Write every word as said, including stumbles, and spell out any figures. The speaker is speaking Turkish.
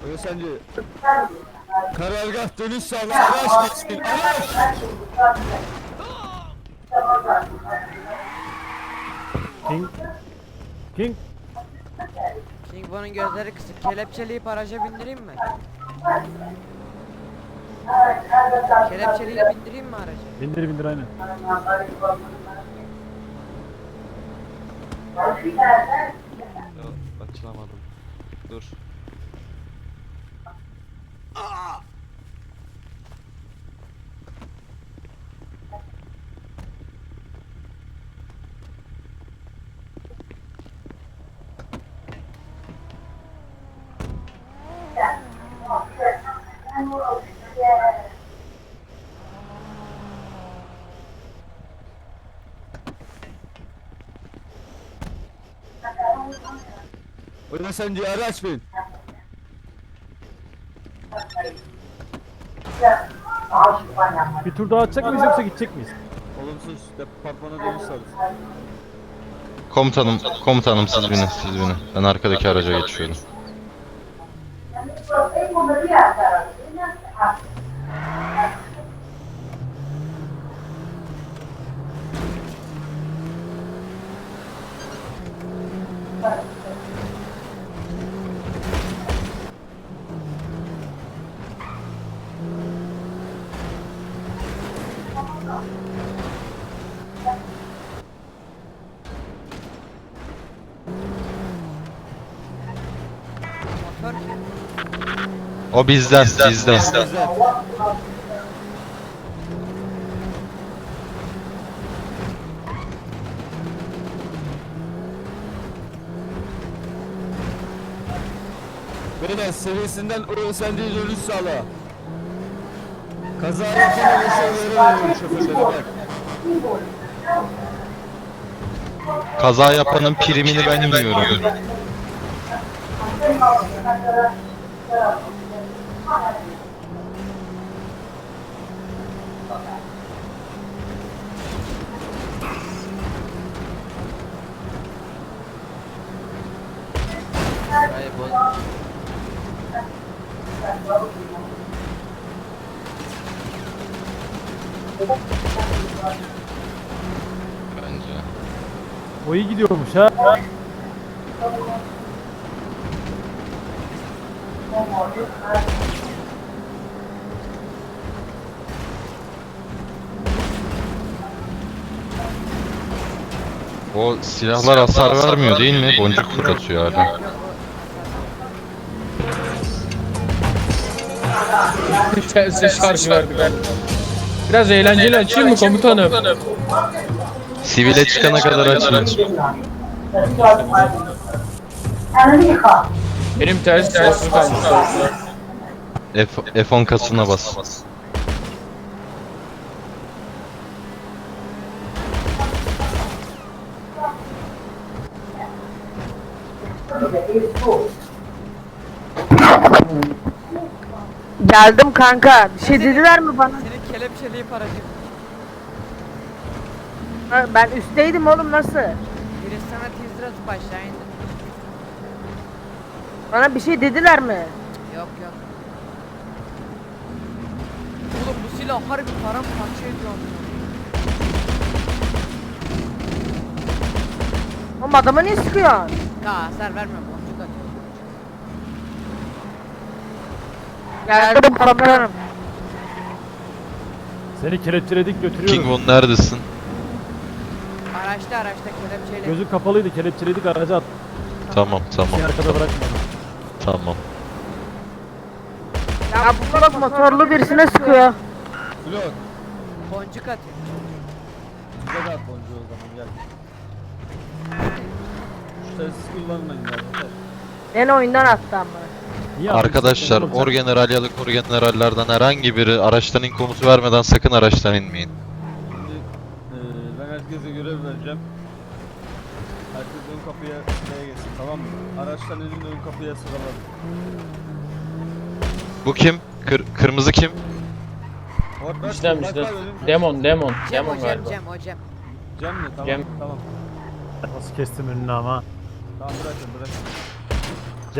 Beyefendi. Karargah dönüş sağla. Araç geçsin. Araç. King. King. King bunun gözleri kısık. Kelepçeleyip araca bindireyim mi? Kelepçeleyip bindireyim mi araca? Bindir bindir aynen. Yok, açılamadım. Dur. Beyefendi araç bin. Bir tur daha atacak mıyız yoksa gidecek miyiz? Olumsuz departmana dönüş sağlasın. Komutanım, komutanım siz binin, siz binin. Ben arkadaki araca geçiyorum. Motor kim? O bizden, bizden. Beyler seviyesinden o sendiği dönüş sağla. Kaza yapan oluşanlara veriyor şoförlere bak. Kaza yapanın primini ben yiyorum. Burayı boz. Bence. O iyi gidiyormuş ha. O silahlar hasar vermiyor değil mi? Boncuk fırlatıyor hala. Tersi şarj verdik. Biraz eğlenceli açayım mı komutanım? Sivile çıkana kadar açın. Benim tersi sessiz kalmış. F, F on kasına bas. Geldim kanka. Bir şey dediler mi bana? Seni kelepçeleyip araca bin. Ha, ben üstteydim oğlum, nasıl? Biri sana teaser atıp aşağı indi. Bana bir şey dediler mi? Yok yok. Oğlum bu silah harbi paramparça ediyor. Oğlum adama niye sıkıyorsun? Ya hasar vermiyor, boncuk atıyor. Geldim komutanım. Seni kelepçeledik götürüyoruz. King Von neredesin? Araçta araçta kelepçeyle. Gözü kapalıydı, kelepçeledik araca at. Tamam, tamam. Seni arkada bırakmadım. Tamam. Ya bu bak motorlu birisine sıkıyor. Blok. Boncuk atıyor. Bize de at boncuğu o zaman gel. Şu telsiz kullanmayın ya. Yeter. Beni oyundan attı ama. Niye Arkadaşlar, atıyorsun oğlum sen? orgeneral ya da korgenerallerden herhangi biri araçtan in komutu vermeden sakın araçtan inmeyin. Şimdi eee ben herkese görev vereceğim. Herkes ön kapıya şuraya geçsin, tamam mı? Araçtan inin ön kapıya sıralanın. Bu kim? Kır, kırmızı kim? Bak, bak, İşlem bak, işte. bak, önüm- Demon, demon. Cem o Demon Cem galiba. Cem o Cem. Cem mi? Tamam, Cem. tamam. Nasıl kestim önünü ama. Tamam bırakın bırakın.